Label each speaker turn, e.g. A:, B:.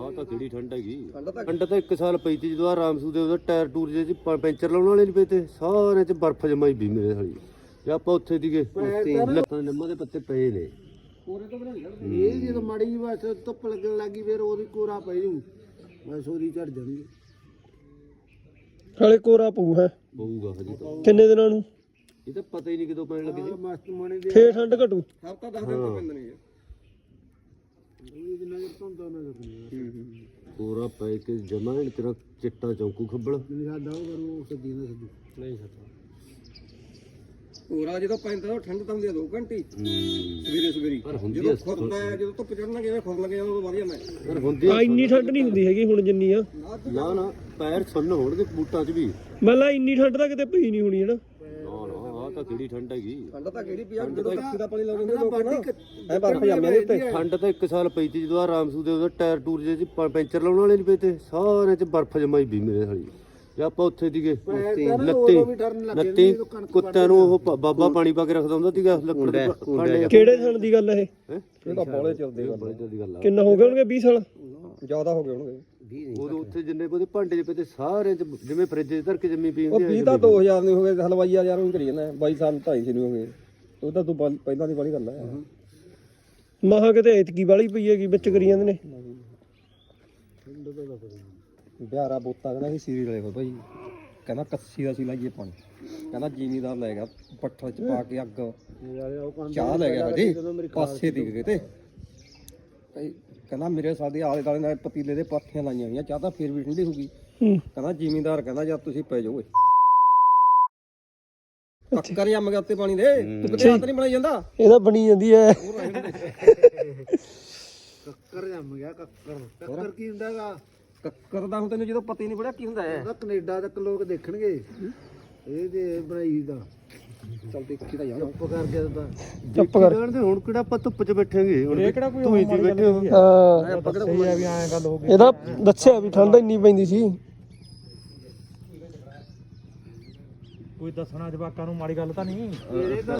A: ਆਹ ਤਾਂ ਕਿਹੜੀ ਠੰਡ ਹੈਗੀ। ਠੰਡ ਤਾਂ 1 ਸਾਲ ਪਈ ਤੀ ਜਦੋਂ ਰਾਮਸੂ ਦੇ ਉਹਦਾ ਟਾਇਰ ਟੂਰ ਜੇ ਪੈਂਚਰ ਲਾਉਣ ਵਾਲੇ ਨਹੀਂ ਪਏ ਤੇ ਸਾਰਿਆਂ 'ਚ ਬਰਫ਼ ਜਮਾਈ ਵੀ ਮੇਰੇ ਹਾਲੀ ਜੇ ਆਪਾਂ ਉੱਥੇ ਦੀਗੇ ਲੱਤਾਂ ਨਿੰਮਾਂ ਦੇ ਪੱਤੇ ਪਏ ਨੇ
B: ਕੋਰੇ ਤੋਂ ਬਣਾ ਇਹ ਜਦੋਂ ਮਾੜੀ ਜਿਹੀ ਬਸ ਧੁੱਪ ਲੱਗਣ ਲੱਗੀ ਫਿਰ ਉਹਦੀ ਕੋਰਾ ਪੈ ਜੂ ਬਸ ਉਹਦੀ ਝੜ ਜਾਣਗੇ
C: ਹਾਲੇ ਕੋਰਾ ਪਊ ਹੈ
A: ਪਊਗਾ ਹਜੇ ਤਾਂ
C: ਕਿੰਨੇ ਦਿਨਾਂ ਨੂੰ
A: ਇਹ ਤਾਂ ਪਤਾ ਹੀ ਨਹੀਂ ਕਦੋਂ ਪੈਣ ਲੱਗੇ ਸੀ
B: ਮਸਤ ਮਾਣੇ ਦੇ
C: ਫੇਰ ਠੰਡ ਘਟੂ
B: ਹਫਤਾ 10 ਦਿਨ ਤੋਂ ਪੈਂਦੇ ਨੇ ਇਹ ਜਿੰਨਾ ਚਿਰ ਧੁੰਦਾ ਨਾ ਕਰਨੀ
A: ਕੋਰਾ ਪੈ ਕੇ ਜਮਾ ਤੇਰਾ ਚਿੱਟਾ ਚੌਂਕੂ ਖੱਬਲ
B: ਨਹੀਂ ਸਾਡਾ ਉਹ ਕਰੂ ਸੱਦੀ ਨਾ ਸੱਦੀ
A: ਨਹੀਂ ਸਕਦਾ
B: ਕੋਰਾ ਜਦੋਂ ਪੈਂਦਾ ਉਹ ਠੰਡ ਤਾਂ ਹੁੰਦੀ ਆ 2 ਘੰਟੇ ਸਵੇਰੇ ਸਵੇਰੀ
A: ਪਰ ਹੁੰਦੀ
B: ਜਦੋਂ ਖੁਰਦਾ ਜਦੋਂ ਧੁੱਪ ਚੜਨ ਲੱਗੇ ਖੁਰ ਲੱਗੇ ਉਦੋਂ ਵਧੀਆ ਮੈਂ
A: ਪਰ ਹੁੰਦੀ
C: ਆ ਇੰਨੀ ਠੰਡ ਨਹੀਂ ਹੁੰਦੀ ਹੈਗੀ ਹੁਣ ਜਿੰਨੀ ਆ
A: ਨਾ ਨਾ ਪੈਰ ਸੁੰਨ ਹੋਣਗੇ ਬੂਟਾਂ 'ਚ ਵੀ
C: ਮਤਲਬ ਇੰਨੀ ਠੰਡ ਤਾਂ ਕਿਤੇ ਪਈ ਨਹੀਂ ਹੋਣੀ ਹੈ ਨਾ
A: ਨਾ ਨਾ ਆਹ ਤਾਂ ਕਿਹੜੀ ਠੰਡ ਹੈਗੀ।
B: ਠੰਡ ਤਾਂ ਕਿਹੜੀ ਪਿਆ ਜਦੋਂ ਕੱਸੀ ਦਾ ਪਾਣੀ ਲਾਉਂਦੇ ਨੇ ਲੋਕ ਨਾ ਐ ਬਰਫ ਜੰਮਿਆ ਦੇ ਉੱਤੇ
A: ਠੰਡ ਤਾਂ 1 ਸਾਲ ਪਈ ਤੀ ਜਦੋਂ ਰਾਮਸੂ ਦੇ ਉਹਦਾ ਟਾਇਰ ਟੂਰ ਜੇ ਪੈਂਚਰ ਲਾਉਣ ਵਾਲੇ ਨਹੀਂ ਪਏ ਤੇ ਸਾਰਿਆਂ 'ਚ ਬਰਫ਼ ਜਮਾਈ ਵੀ ਮੇਰੇ ਹਾਲੀ ਜੇ ਆਪਾਂ ਉੱਥੇ ਦੀਗੇ ਲੱਤੀ ਕੁੱਤਿਆਂ ਨੂੰ ਉਹ ਬਾਬਾ ਪਾਣੀ ਪਾ ਕੇ ਰੱਖਦਾ ਹੁੰਦਾ ਸੀਗਾ ਲੱਕੜ ਦੇ ਭਾਂਡੇ
C: ਕਿਹੜੇ ਸਾਲ ਦੀ ਗੱਲ ਹੈ
B: ਇਹ ਤਾਂ ਬੋਲੇ ਚੱਲਦੇ
A: ਦੀ ਗੱਲ ਆ
C: ਕਿੰਨਾ ਹੋ ਗਿਆ ਹੋਣਗੇ 20 ਸਾਲ
B: ਜ਼ਿਆਦਾ ਹੋ ਗਏ ਹੋਣਗੇ
A: ਉਦੋਂ ਉੱਥੇ ਜਿੰਨੇ ਉਹਦੇ ਭਾਂਡੇ 'ਚ ਪਏ ਤੇ ਸਾਰਿਆਂ 'ਚ ਜਿਵੇਂ ਫਰਿੱਜ 'ਚ ਧਰ ਕੇ ਜੰਮੀ ਪਈ
B: ਉਹ
A: ਹੁੰਦੀ
B: 20 ਤਾਂ 2000 ਨਹੀਂ ਹੋ ਗਏ ਹਲਵਾਈਆ ਯਾਰ ਉਹ ਕਰੀ ਜਾਂਦਾ 22 ਸਾਲ 2.5 ਨਹੀਂ ਹੋ ਗਏ ਉਹ ਤਾਂ ਤੂੰ ਪਹਿਲਾਂ ਦੀ ਬੜੀ ਗੱਲ ਹੈ
C: ਮਹਾ ਕਿਤੇ ਐਤਕੀ ਵਾਲੀ ਪਈ ਹੈਗੀ ਵਿੱਚ ਕਰੀ ਜਾਂਦੇ ਨੇ
B: ਬਿਹਾਰਾ ਬੋਤਾ ਕਹਿੰਦਾ ਸੀ ਸੀਰੀ ਲੈ ਭਾਈ ਕਹਿੰਦਾ ਕੱਸੀ ਦਾ ਸੀ ਲਾਈਏ ਪਾਣੀ ਕਹਿੰਦਾ ਜ਼ਿਮੀਦਾਰ ਲੈ ਗਿਆ ਪੱਠਲ ਚ ਪਾ ਕੇ ਅੱਗ ਚਾਹ ਲੈ ਗਿਆ ਜੀ ਪਾਸੇ ਦੀ ਕਿਤੇ ਕਹਿੰਦਾ ਮੇਰੇ ਸਾਦੇ ਆਲੇ ਦਾਲੇ ਨਾਲ ਪਤੀਲੇ ਦੇ ਪਾਥੀਆਂ ਲਾਈਆਂ ਹੋਈਆਂ ਚਾਹ ਤਾਂ ਫੇਰ ਵੀ ਠੰਡੀ ਹੋ ਗਈ ਕਹਿੰਦਾ ਜ਼ਿਮੀਦਾਰ ਕਹਿੰਦਾ ਜਦ ਤੁਸੀਂ ਪੈ ਜਾਓ ਕੱਕਰ ਜੰਮ ਗਿਆ ਉੱਤੇ ਪਾਣੀ ਦੇ ਤੂੰ ਕਿਤੇ ਹੱਥ ਨਹੀਂ ਬਣਾਈ ਜਾਂਦਾ
C: ਇਹਦਾ ਬਣੀ ਜਾਂਦੀ ਹੈ
B: ਕੱਕਰ ਜੰਮ ਗਿਆ ਕੱਕਰ ਕੀ ਹੁੰਦਾਗਾ ਕੱਕਰ ਦਾ ਹੁਣ ਤੈਨੂੰ ਜਦੋਂ ਪਤਾ ਹੀ ਨਹੀਂ ਪੜਿਆ ਕੀ ਹੁੰਦਾ ਹੈ ਉਹਦਾ ਕੈਨੇਡਾ ਤੱਕ ਲੋਕ ਦੇਖਣਗੇ ਇਹ ਤੇ ਬਣਾਈ ਦਾ ਚੱਲ ਦੇਖੀ ਤਾਂ ਯਾਰ ਚੁੱਪ ਕਰਕੇ ਤਾਂ
C: ਚੁੱਪ ਕਰ
A: ਤੇ ਹੁਣ ਕਿਹੜਾ ਆਪਾਂ ਧੁੱਪ 'ਚ ਬੈਠਾਂਗੇ ਹੁਣ
B: ਇਹ ਕਿਹੜਾ ਕੋਈ
A: ਤੂੰ ਇੱਥੇ ਬੈਠੇ ਹੋ
B: ਆਪਾਂ ਕਿਹੜਾ ਕੋਈ ਵੀ ਐਂ ਗੱਲ ਹੋ ਗਈ
C: ਇਹਦਾ ਦੱਸਿਆ ਵੀ ਠੰਡ ਇੰਨੀ ਪੈਂਦੀ ਸੀ
D: ਕੋਈ ਦੱਸਣਾ ਜਵਾਕਾਂ ਨੂੰ ਮਾੜੀ ਗੱਲ ਤਾਂ ਨਹੀਂ।